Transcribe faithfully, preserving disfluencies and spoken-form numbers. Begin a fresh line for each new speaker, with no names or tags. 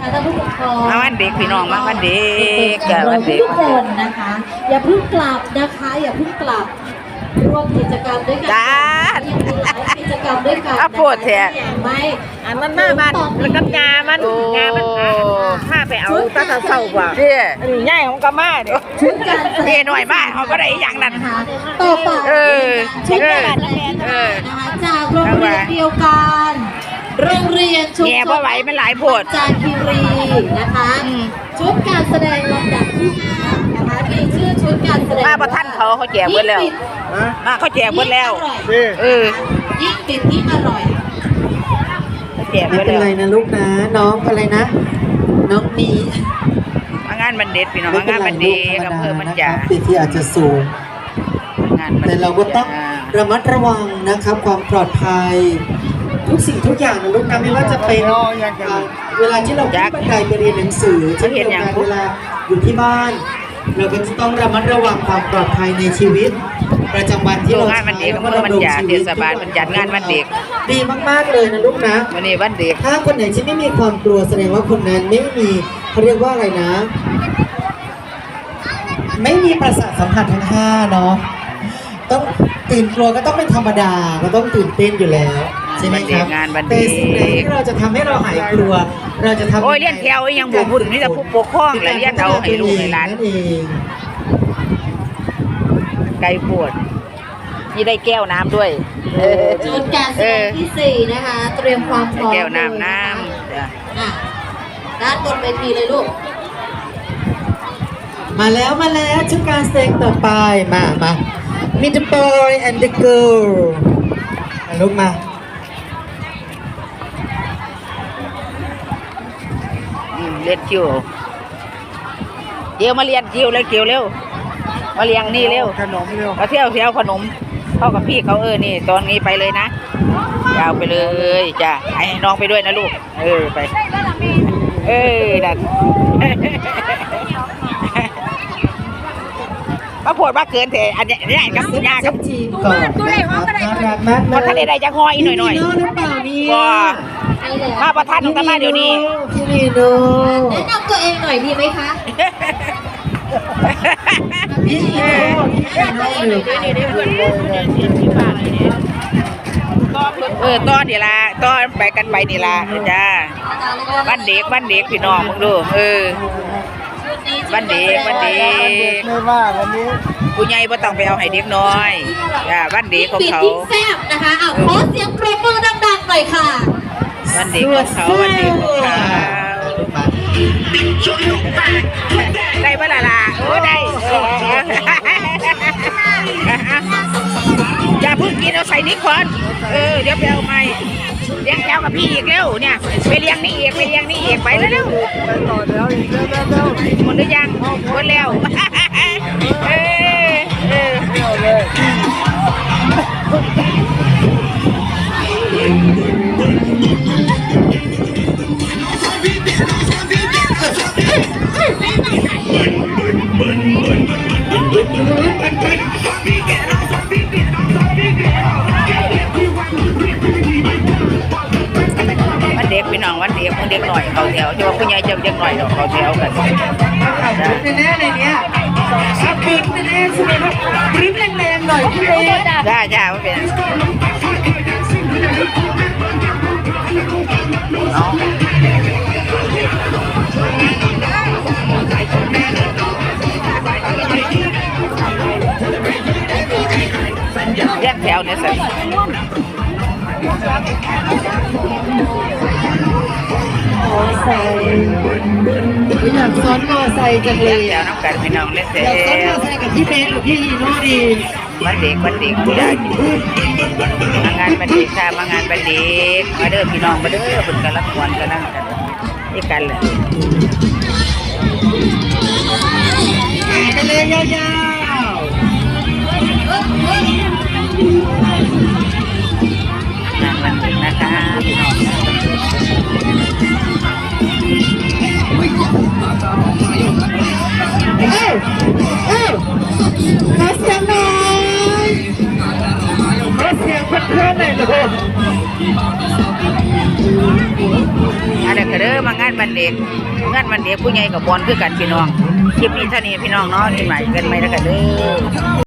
ท่านผู้ปกครอง
มาวันเด็กพี่น้องมาวันเด็กจ้ะวันเด็ก
ทุกคนนะคะ อย่าเพิ่งกลับนะคะอย่าเพิ่งกลับร่วมกิจกรรมด้วยกัน
จ้า
มีหลายกิจกรรมด้วยกัน
อ่ะพูดเถอะ
ไม่
อันมันมาบ้านแล้วก็งามันงามันถ้าไปเอาตั้งแต่เศร้ากว่า
เด้อ
อันนี้ง่ายของกามาเด้อ
ชุดการแสด
เด้
ง
หน่อยมากเขาก็ได้อย่างนั้น
นะคะต่อไป
เออ
ชุดการแสดงนะคะจากโรงเรียนเดียวกันโรงเรียนชุม
แง่
ช
บ่
น
ไหวมันหลายโพด
จานคีรีนะคะชุดการแสดงลำดับที่ห้านะคะมีชื่อชุดการแสดง
มาประท่านเขาเขาแจกหมดแล้วมาเขาแจกหมดแล้วเออ
ยิ่งปิดยิ่งอร่อย
เขาแจกหม
ไม่
ด
เป็น
แล้ว
ไรนะลูกนะน้องอะไรนะ น้องมี
มางานบันเด็ดพี่น้อง
ไม่
มา
เป็น
งาน
ไร
บัน
ลู
เด็
ก
ก
ธรรม
อำเภ
ดา
อมัน
นะค
จ่า
รับปีที่อาจจะสูง
งานบัน
แต่
เด็ก
เราก็ต้องระมัดระวังนะครับความปลอดภัย ทุกสิ่งทุกอย่างนะลูกนะไม่ว่าจะเป็นอ่าเวลาที่เราขึ้นบันไดไปเรียนหนังสือเช่นเดียวกันเวลาอยู่ที่บ้าน เราก็จะต้องระมัดระวังความปลอดภัยในชีวิต ประจำวันที่
โร
เรา
งงานบันเด็กอำเภอมันจ่าเทศบาลมันจัดงานบันเด็ก
ดีมากๆเลยนะลูกนะ
วันนี้วันเด็ก
ถ้าคนไหนที่ไม่มีความกลัวแสดงว่าคนนั้นไม่มีเขาเรียกว่าอะไรนะ ไม่มีประสาทสัมผัสทั้งห้าเนาะต้องตื่นกลัวก็ต้องเป็นธรรมดาก็ต้องตื่นเต้นอยู่แล้วใช่ไหมครับ
งานบันเด็
แต่
ก
สิ่งใดที่เราจะทำให้เราหายกลัว เราจะทำ
โอ้ยเลี้ยนแถวยังบ่พูดถึงนี่แต่ผู้ปกครองและเลี้ยนเอาให้ลูกให้หลาน
นั่นเอง
ไก่ปวดนี่ได้แก้วน้ำด้วยเออ
ชุดการแสดงที่สี่นะคะ เตรียมความพ
ได้
ร้อม
แก้วน้ำ
เลย
น้
ะคะ
ำจ้ะ
อ่ะด้านบนเวทีเลยลูก
มาแล้วมาแล้วชุดการแสดงต่อไปมามา Meet the boy and the girl มาลูกมา
อืมเรียนคิวเดี๋ยวมาเรียนคิวเลยคิวเร็วมาเรียงนี่เร็ว
ขนมเร็ว
มาเที่ยวเที่ยวขนมเข้ากับพี่เขาเออนี่ตอนนี้ไปเลยนะยาวไปเลยจ้ะให้น้องไปด้วยนะลูกเออไปเออดัน มาปวดมาเกินเถอะอันนี้นี่กับยากับ
ทีมก่อนนะครับน่ารักมาก
พอทะเลได้จะห้อยหน่อยหน่อย
พี่นีโน่หรือเปล่าเนี่ย
ว่ามาประทานของตามาเดี๋ยวนี้
พี่นีโน่
แนะนำตัวเองหน่อยดีไหมคะ
พี่นีโน่พี่นีโน่อยู่
เออต้อนนี่ละต้อนไปกันไปนี่ละจ้าบ้านเด็กบ้านเด็กพี่น้องมึงดูเออบ้านเด็กบ้านเด็ก
ไม่ว่าวันนี้
ผู้ใหญ่บ่ต้องไปเอาให้เด็กน้อยจ้าบ้านเด็กของ
ปิด
เขา
ยิ่งแซ่บนะคะเอาขอเสียงปรบมือดังๆหน่อยค่ะ
บ้านเด็กของเขาบ้านเด็กของเขาได้ปะล่ะล่ะโอ้ได้เอออย่าเพิ่งกินเอาใส่นี่ก่อนเออเดี๋ยวไปเอาใหม่เลี้ยงแถวกับพี่อีกเร็วเนี่ยไปเลี้ยงนี่อีกไปเลี้ยงนี่อีกไปแล้วเร็ว
ไปต่อแล้วอีกเร็วเร็วเร็ว
หมดหรือยังหมดแล้วเออเออ
เร็วเลย
วันเด็กพี่น้องวันเด็กวันเด็กหน่อยเขาแถวที่ว่าผู้ใหญ่จะเด็กหน่อยเขาแถวกัน
ชุดแน่ๆเลยเนี่ยชับปริ้นแน่ๆใช่ไหมครับปริ้นแรงๆหน่อยพี่เล็ก
จ้าจ้าว่าเป็นเอาแยกแถวเนี่ยสิ
ใส่อยากซ้อนมอไซค์จังเลย
แถว
อ่ะ
น้ำกันพี่น้องเล่นเสร็
อยากซ้อนมอ
จ
ไซค์กับพี่เบสหรือพี่ฮีโน่ดี
วันเด็กวันเด็กผู้ใหญ่มางานวันเด็กค่ะมางานวันเด็กมาเด้อพี่น้องมาเด้อเป็นกันละครกันนั่งกันนี่กันเลย
ไปเลยยาว
นั่งนั่งนะคะพี่น้อง
ๆเอ้ยเอ้ยขอเสียงหน่อยขอเสียงเพื่อนๆหน่อยลูก
อะไรกันเด้อมางานวันเด็กงานวันเด็กผู้ใหญ่กับบอลคือกันพี่น้องคลิปนี้เท่านี้พี่น้องเนาะที่ใหม่กันไหมแล้วกันเด้อ